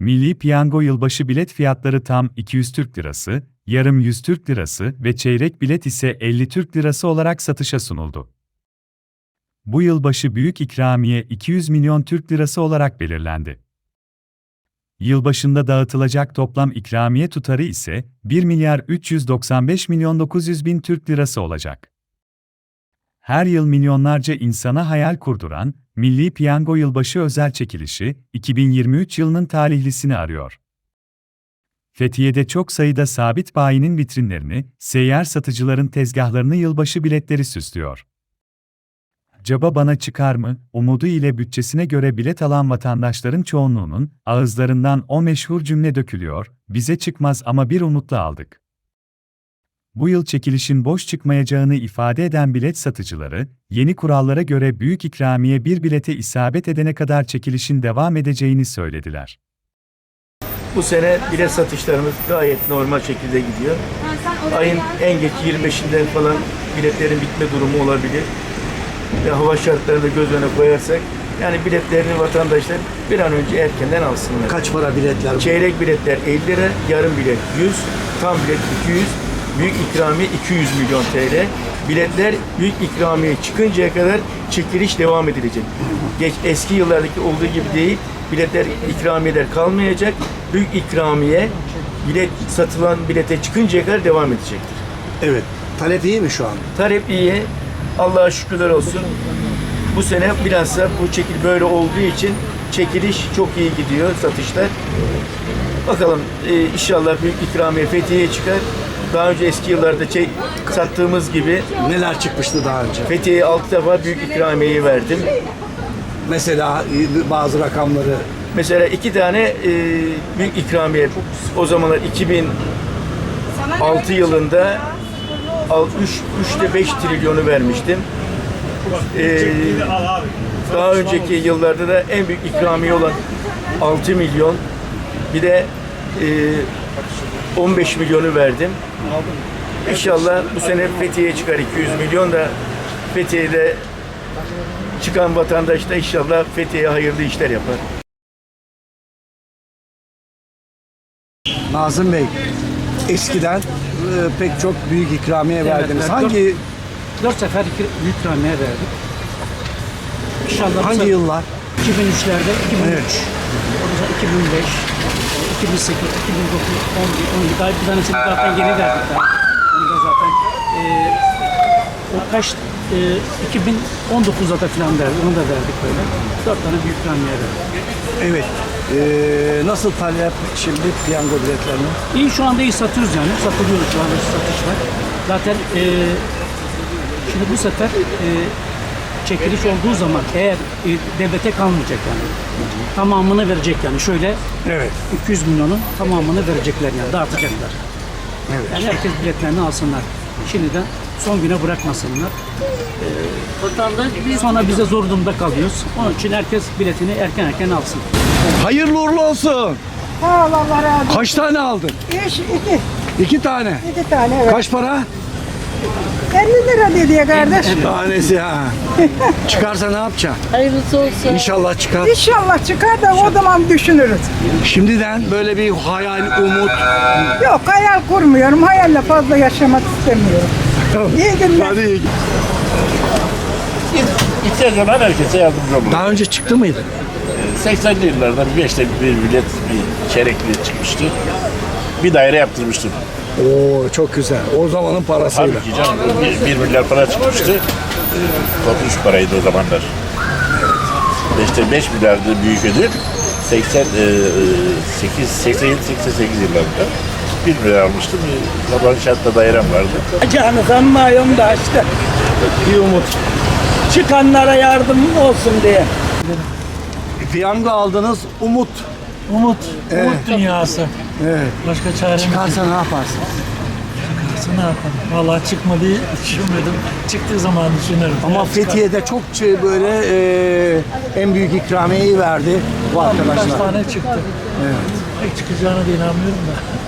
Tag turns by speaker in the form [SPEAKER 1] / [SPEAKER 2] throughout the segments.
[SPEAKER 1] Milli Piyango yılbaşı bilet fiyatları tam 200 Türk Lirası, yarım 100 Türk Lirası ve çeyrek bilet ise 50 Türk Lirası olarak satışa sunuldu. Bu yılbaşı büyük ikramiye 200 milyon Türk Lirası olarak belirlendi. Yılbaşında dağıtılacak toplam ikramiye tutarı ise 1 milyar 395 milyon 900 bin Türk Lirası olacak. Her yıl milyonlarca insana hayal kurduran Milli Piyango Yılbaşı özel çekilişi 2023 yılının talihlisini arıyor. Fethiye'de çok sayıda sabit bayinin vitrinlerini, seyyar satıcıların tezgahlarını yılbaşı biletleri süslüyor. Acaba bana çıkar mı, umudu ile bütçesine göre bilet alan vatandaşların çoğunluğunun ağızlarından o meşhur cümle dökülüyor, bize çıkmaz ama bir umutla aldık. Bu yıl çekilişin boş çıkmayacağını ifade eden bilet satıcıları, yeni kurallara göre büyük ikramiye bir bilete isabet edene kadar çekilişin devam edeceğini söylediler.
[SPEAKER 2] Bu sene bilet satışlarımız gayet normal şekilde gidiyor. Ayın en geç 25'inden falan biletlerin bitme durumu olabilir. Ve hava şartlarını da göz önüne koyarsak, yani biletlerini vatandaşlar bir an önce erkenden alsınlar.
[SPEAKER 3] Kaç para biletler?
[SPEAKER 2] Çeyrek biletler 50 lira, yarım bilet 100, tam bilet 200, büyük ikramiye 200 milyon TL. Biletler büyük ikramiye çıkıncaya kadar çekiliş devam edilecek. Eski yıllardaki olduğu gibi değil, biletler, ikramiyeler kalmayacak. Büyük ikramiye satılan bilete çıkıncaya kadar devam edecektir.
[SPEAKER 3] Evet. Talep iyi mi şu an?
[SPEAKER 2] Talep iyi. Allah'a şükürler olsun. Bu sene bilhassa bu çekil böyle olduğu için çekiliş çok iyi gidiyor, satışlar. Bakalım inşallah büyük ikramiye Fethiye'ye çıkar. Daha önce eski yıllarda sattığımız gibi
[SPEAKER 3] Neler çıkmıştı daha önce?
[SPEAKER 2] Fethiye'ye 6 defa büyük ikramiyeyi verdim.
[SPEAKER 3] Mesela bazı rakamları.
[SPEAKER 2] Mesela 2 tane büyük ikramiye o zamanlar 2006 yılında 3'te 5 trilyonu vermiştim. Daha önceki yıllarda da en büyük ikramiye olan 6 milyon, bir de 15 milyonu verdim. İnşallah bu sene Fethiye'ye çıkar 200 milyon da Fethiye'de çıkan vatandaş da inşallah Fethiye'ye hayırlı işler yapar.
[SPEAKER 3] Nazım Bey, eskiden pek çok büyük ikramiye verdiniz.
[SPEAKER 4] Evet,
[SPEAKER 3] Hangi
[SPEAKER 4] 4 sefer büyük ikramiye verdik. İnşallah
[SPEAKER 3] hangi yıllar?
[SPEAKER 4] 2003'lerde, 2003,
[SPEAKER 3] Evet.
[SPEAKER 4] ondan sonra 2005, 2008, 2009, 11, 12, daha bir tanesini zaten yeni verdik daha. Onu da zaten o kaç 2019'da da falan verdik, onu da verdik böyle. 4 tane büyük ikramiye verdik.
[SPEAKER 3] Evet. Nasıl talep şimdi piyango biletlerine?
[SPEAKER 4] İyi, şu anda iyi satıyoruz yani. Satılıyoruz şu anda, satış var. Zaten şimdi bu sefer çekiliş olduğu zaman eğer devlete kalmayacak yani. Tamamını verecek yani. Şöyle
[SPEAKER 3] Evet.
[SPEAKER 4] 200 milyonun tamamını verecekler yani. Dağıtacaklar.
[SPEAKER 3] Evet.
[SPEAKER 4] Yani herkes biletlerini alsınlar. Şimdiden son güne bırakmasınlar. Sonra bize zor durumda kalıyoruz. Onun için herkes biletini erken alsın.
[SPEAKER 3] Hayırlı uğurlu olsun.
[SPEAKER 5] Sağ ol, Allah razı olsun.
[SPEAKER 3] Kaç tane aldın?
[SPEAKER 5] 2
[SPEAKER 3] 2 tane.
[SPEAKER 5] tane, evet.
[SPEAKER 3] Kaç para?
[SPEAKER 5] 50 lira dedi ya kardeş.
[SPEAKER 3] Tanesi ha. Çıkarsa ne yapacaksın?
[SPEAKER 6] Hayırlısı olsun.
[SPEAKER 3] İnşallah çıkar.
[SPEAKER 5] İnşallah çıkar da o zaman düşünürüz.
[SPEAKER 3] Şimdiden böyle bir hayal, umut.
[SPEAKER 5] Yok, hayal kurmuyorum. Hayalle fazla yaşamak istemiyorum. İyi günler.
[SPEAKER 3] Hadi iyi.
[SPEAKER 7] İhtiyacı olan herkese yardımcı olur.
[SPEAKER 3] Daha önce çıktı mıydı?
[SPEAKER 7] 80'li yıllarda bir 5'te bir bilet, bir çeyrek bilet çıkmıştı. Bir daire yaptırmıştım.
[SPEAKER 3] Oo çok güzel. O zamanın parasıyla.
[SPEAKER 7] Tabii ki canım, 1 milyar para çıkmıştı. Korkunç paraydı o zamanlar. 5 milyardı büyük ödül. 87-88 yıllarında 1 milyar almıştım. Sabah inşaatta dairem vardı.
[SPEAKER 8] Canı sanmıyorum da işte bir umut. Çıkanlara yardım olsun diye.
[SPEAKER 3] Piyango aldınız, umut.
[SPEAKER 8] Umut
[SPEAKER 9] Dünyası.
[SPEAKER 3] Evet.
[SPEAKER 9] Başka çaremiz yok.
[SPEAKER 3] Çıkarsa ne yaparsın?
[SPEAKER 9] Ne yapalım? Vallahi çıkmadı düşünmedim. Çıktığı zaman düşünürüm.
[SPEAKER 3] Ama
[SPEAKER 9] Eğer
[SPEAKER 3] Fethiye'de çok böyle en büyük ikramiyeyi verdi bu
[SPEAKER 9] çıkar, birkaç
[SPEAKER 3] arkadaşlar.
[SPEAKER 9] tane çıktı.
[SPEAKER 3] Evet.
[SPEAKER 9] Pek çıkacağına da inanmıyorum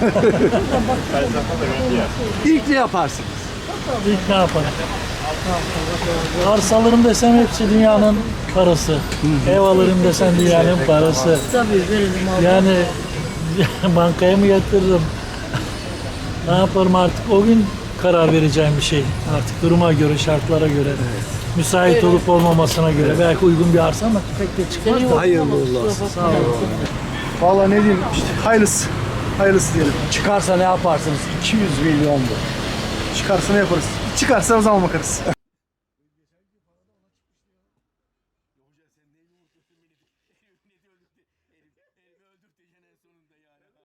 [SPEAKER 9] da.
[SPEAKER 3] İlk ne yaparsın?
[SPEAKER 9] İlk ne yapalım? Arsa alırım desem hepsi dünyanın parası. Ev alırım desem dünyanın parası.
[SPEAKER 6] Tabii verelim abi.
[SPEAKER 9] Yani bankaya mı yatırırım? Ne yaparım artık? O gün karar vereceğim bir şey. Artık duruma göre, şartlara göre. Müsait olup olmamasına göre. Belki uygun bir arsa ama pek de çıkmaz da.
[SPEAKER 3] Hayırlı uğurlu olsun.
[SPEAKER 9] Sağ olun.
[SPEAKER 6] Vallahi ne diyeyim işte hayırlısı. Hayırlısı diyelim.
[SPEAKER 3] Çıkarsa ne yaparsınız? 200 milyon bu.
[SPEAKER 6] Çıkarsa ne yaparız? Çıkarsa o zaman bakarız.